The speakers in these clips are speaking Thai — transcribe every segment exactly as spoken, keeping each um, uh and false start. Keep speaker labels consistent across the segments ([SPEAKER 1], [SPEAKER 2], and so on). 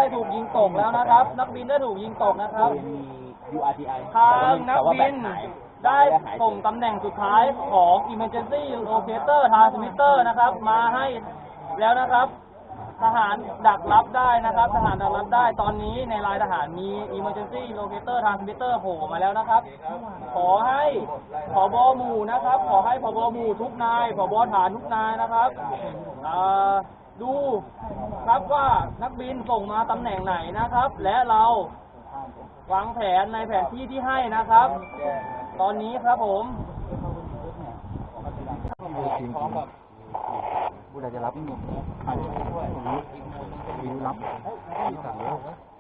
[SPEAKER 1] ถูกยิงตกแล้วนะครับ นักบินได้ถูกยิงตกนะครับ
[SPEAKER 2] ยู อาร์ ที ไอ
[SPEAKER 1] ทางนักบินได้ส่งตำแหน่งสุดท้ายของ Emergency Locator Transmitter นะครับมาให้แล้วนะครับทหารดักรับได้นะครับทหารดักรับได้ตอนนี้ในรายทหารมี Emergency Locator Transmitter โผล่มาแล้วนะครับขอให้ผบ.หมู่นะครับขอให้ผบ.หมู่ทุกนายผบ.ฐานทุกนายนะครับดูครับว่านักบินส่งมาตำแหน่งไหนนะครับและเราวางแผนในแผนที่ที่ให้นะครับตอนนี้ครับผม
[SPEAKER 2] ผู้ใดจะรับนี่ใครมีรับมีสั่งแล้ว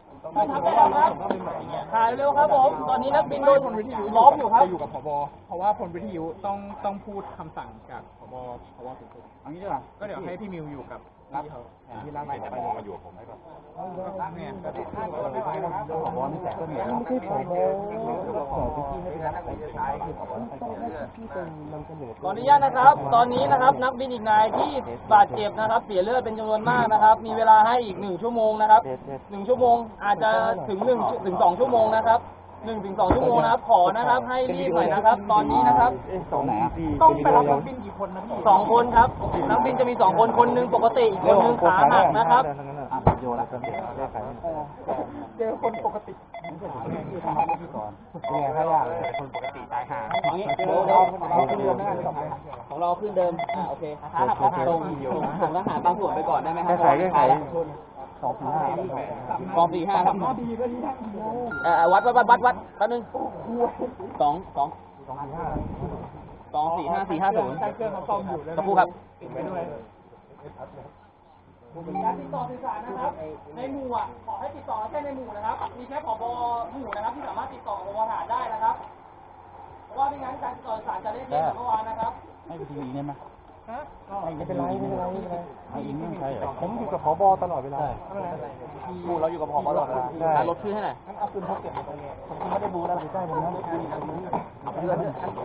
[SPEAKER 1] ถ่ายเร็วครับผมตอนนี้นักบินโดนผลวิทยุล้อมอยู่ครับ
[SPEAKER 3] จะอยู่กับผบ.เพราะว่าผลวิทยุต้องต้องพูดคำสั่งจากผบ.ผบ.สูงสุด
[SPEAKER 2] อันนี้ใช่ป่ะ
[SPEAKER 3] ก็เดี๋ยวให้พี่มิวอยู่กับพี่เขา
[SPEAKER 2] แผนที่ร่างไปไปเลยมาอยู่กับผมให้ก่อน
[SPEAKER 3] เนี่ยก็ติดผบ.
[SPEAKER 2] นี่แต่ก็เหนื่อยไม่ใช่ผบ.ขอไปที่ให้รับไปท้ายคือผบ.ต้องให้พี่เป็นนำเสนอ
[SPEAKER 1] ขออนุญาตนะครับตอนนี้นะครับนักบินอีกนายที่บาดเจ็บนะครับเสียเลือดเป็นจำนวนมากนะครับมีเวลาให้อีกหนึ่งชั่วโมงนะครับหนึ่งชั่วโมงอาจจะถึงหนึ่งถึงสองชั่วโมงนะครับหนึ่งถึงสองชั่วโมงนะครับขอนะครับให้รีบหน่อยนะครับตอนนี้นะครับ
[SPEAKER 2] ตรงไหนอ่ะ
[SPEAKER 3] ต้องไปรับนักบินกี่คนนะพี่
[SPEAKER 1] สองคนครับนักบินจะมีสองคนคนหนึ่งปกติอีกคนหนึ่งขาหักนะครับ
[SPEAKER 2] โยนแล้ว
[SPEAKER 3] เจอคนปกติ
[SPEAKER 2] ที่ทำที่ก่อนเป็นไงถ้ายากคนปกติตายห่า
[SPEAKER 1] อย่างนี้เราเราขึ้นเดิมนะของเราขึ้นเดิมอ่าโอเคตรงตรงของทหารบางส่วนไปก่อนได้ไหมครับ
[SPEAKER 2] แก้ไขแก้ไขสองสี่ห้าก
[SPEAKER 1] องสี่ห้าครับเอ่อวัดวัดวัดวัดวัดแป๊บนึงสองสอง
[SPEAKER 2] สองสี่ห้า
[SPEAKER 1] สองสี่ห้าสี่ห้าศูนย์
[SPEAKER 3] ใช้เครื่องเขาซ่อมอยู่
[SPEAKER 1] กระพู้ครับ
[SPEAKER 3] ติดไว้ด้วย
[SPEAKER 1] การติดต่อสื่อสารนะครับในหมู่อ่ะขอให้ติดต่อแค่ในหมู่นะครับมีแค่ผบ.หมู่นะครับที่สามารถติดต่อผบ.ฐานได้นะครับเพราะว่าไม่งั้นการติดต่อสื่อสารจะเล่นเล่นเมื่อวานนะครับ
[SPEAKER 2] ให้ไปทีวีได้ไหม
[SPEAKER 3] ไม่เป็นไรไม่เป็นไรไม่เป็นไร
[SPEAKER 2] ไม่อินไม่ใช่เหรอ
[SPEAKER 3] ผมอยู่กับผบ.ตลอดเวลา
[SPEAKER 1] หมู่เราอยู่กับผบ.ตลอดเวลารถขึ้นให้หน่อย
[SPEAKER 3] เอาปืนพกเก็บมาตรงนี้ผมไม่ได้บูแล้วใกล้ผมนะ
[SPEAKER 1] เดือน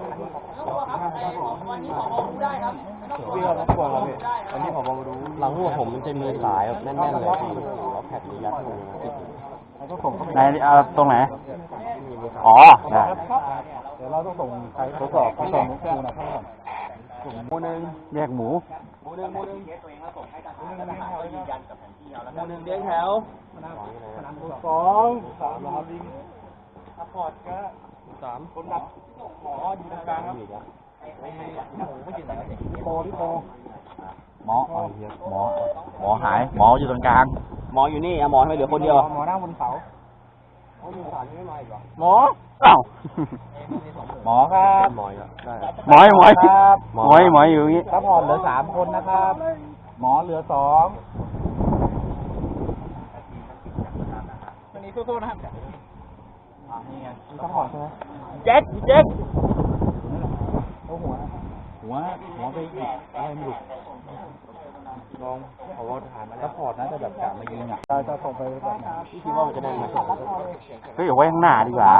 [SPEAKER 1] วันนี้ผบ.รู้ได้ครับ
[SPEAKER 2] พี่เราต้องกลัวเราพี่อันนี้ผบ.รู้หลังหัวผมมันจะมีสายแบบแน่นๆเลยพี่แล้วแผ่นนี้ยัดมือไหนเอาตรงไหนอ๋อได้
[SPEAKER 3] เดี๋ยวเราต้องส่งใคร
[SPEAKER 2] ทดสอบทดสอบเครื่องนะข้างก่อนส่งหมูหนึ่งแยกหมู
[SPEAKER 1] หมูหนึ่งหมูหนึ่งตัวเองแล้วส่งให้ทางทหารยืนยันกับแผนที่เราแล้วหมูหนึ่งเรียงแถว
[SPEAKER 3] สองสามครับซัพพอร์ตก็
[SPEAKER 2] สาม
[SPEAKER 3] คนดับหมออยู่ตรงกลางครับโปที่โป
[SPEAKER 2] หมอหมอหมอหายหมออยู่ตรงกลาง
[SPEAKER 1] หมออยู่นี่หมอทำไมเหลือคนเดียว
[SPEAKER 3] หมอหน้าบนเสา
[SPEAKER 2] หมอเอ้าหมอครับหมอหมอหมอครับหมอหมออยู่งี้
[SPEAKER 3] ซัพพอร์ตเหลือสามคนนะครับหมอเหลือสองวันนี้สู้ๆนะครับ
[SPEAKER 2] นี่ไง
[SPEAKER 3] ซัพพอร์ตใช่ไหม
[SPEAKER 1] แจ็คแจ็ค
[SPEAKER 3] เอาหัว
[SPEAKER 2] หัวหัวไปอีกอะไรไม่รู้ลองเขาว่าฐานมาแล้วซัพพอร์ตนะแต่แบบกะมายิงอ่ะ
[SPEAKER 3] เราจะส่งไปแบบไหน
[SPEAKER 2] พี่คิดว่ามันจะได้ไหมเฮ้ยเอาไว้ข้างหน้าดีกว่า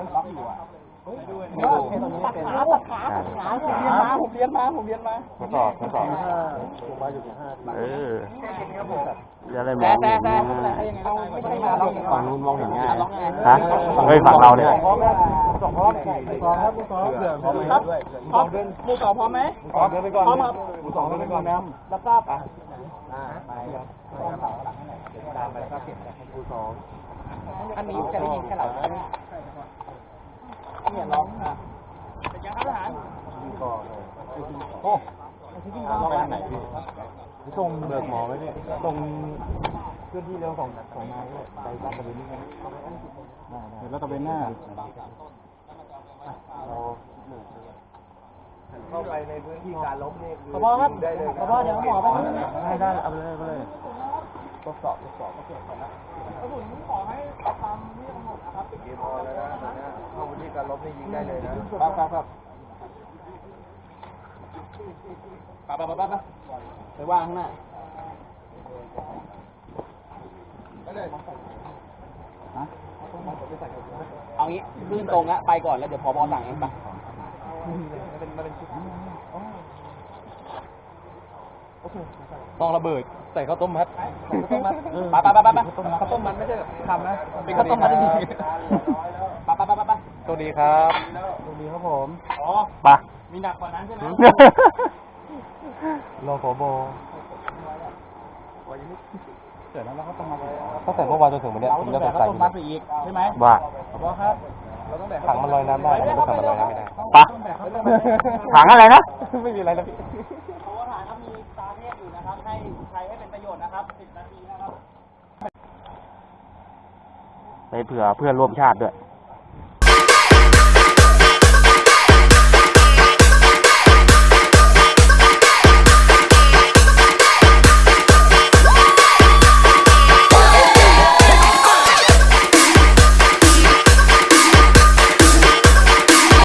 [SPEAKER 3] ตัดขาตัดขาตัดขาผมเรียนมาผมเรียนมาผมเรียนมา
[SPEAKER 2] ทดสอบทดสอบเออจะอะไรมองเห็นฝั่งนู้นมองเห็นง่ายฮะเฮ้ยฝั่งเราเนี่ย
[SPEAKER 3] สองพร้อมสองครับสองเผื่อพร้อมครับพร้อมหมู่สองพร้อมไหม
[SPEAKER 2] พร้อมเดินไปก่อน
[SPEAKER 3] พร้อมครับ
[SPEAKER 2] หมู่สองเดินไปก่อนนะ
[SPEAKER 3] รับทราบอ่ะ
[SPEAKER 2] ไปครับตามไปก็เก็บหมู่สอง
[SPEAKER 3] อันนี้จะได้ยินแค่เราเนี่ยร้องอ่ะเป็นยังครับทหาร
[SPEAKER 2] โอ้ร้องไปไหนพี่ตรงเบิกหมอไว้เนี่ยตรงพื้นที่เร็วของของนายไปรัตเวนนี่เห็นรัตเวนหน้าเราเข้าไปในพื้นที่การล้มนี่
[SPEAKER 3] ขอบครับขอบเดี๋ยวหมอไป
[SPEAKER 2] ได้ได้เอาไปเลยไปเลยทดสอบทดสอบ
[SPEAKER 3] กระสุนขอให้ทำที่กำหนดนะครับ
[SPEAKER 2] ติดเกมพอแล้วนะเข้าพื้นที่การล้มนี่ยิงได้เลยนะครับครับครับ
[SPEAKER 1] ปะปะปะปะไปว่างข้างหน้าเอางี้ขึ้นตรงละไปก่อนแล้วเดี๋ยวพอบอสั่งเองไป
[SPEAKER 2] ต้องระเบิดใส่ข้าวต้มมัด
[SPEAKER 1] ไปไปไปไปข้าวต้มมันไม่ใช่ทำนะเป็นข้าวต้มมัดจริงไปไปไปไปไป
[SPEAKER 2] สวัสดีครับ
[SPEAKER 3] สวัสดีครับผม
[SPEAKER 1] อ๋อ
[SPEAKER 2] ปะ
[SPEAKER 1] มีหนักกว่านั้นใช่ไหม
[SPEAKER 2] รอผบ
[SPEAKER 3] เสร็จแล้วเราก็ต้องมา
[SPEAKER 2] ตั้งแต่เมื่อวานจนถึงวันนี้
[SPEAKER 3] เรา
[SPEAKER 2] ผม
[SPEAKER 3] ต้อ
[SPEAKER 2] จะ
[SPEAKER 3] ง
[SPEAKER 2] ส
[SPEAKER 3] แบ
[SPEAKER 2] ง
[SPEAKER 3] ก
[SPEAKER 2] สั
[SPEAKER 3] ข้าวย ต้มมัดไปอีกใช่ไหม
[SPEAKER 2] ว่า
[SPEAKER 3] บอครับ เราต้องแบก
[SPEAKER 2] ถังมันลอยน้ำได้แต่ไม่ถังมันลอยน้ำไม่ได้
[SPEAKER 3] ปะ
[SPEAKER 2] ถังอะไรนะ ไม่มีอะไรนะพี่
[SPEAKER 1] โอ้ฐานครับมีตาเทพอยู่นะครับ ให้ใช้ให้เป็นประโยชน์นะครับสิบนาทีนะครับ
[SPEAKER 2] ไปเผื่อเพื่อนร่วมชาติด้วย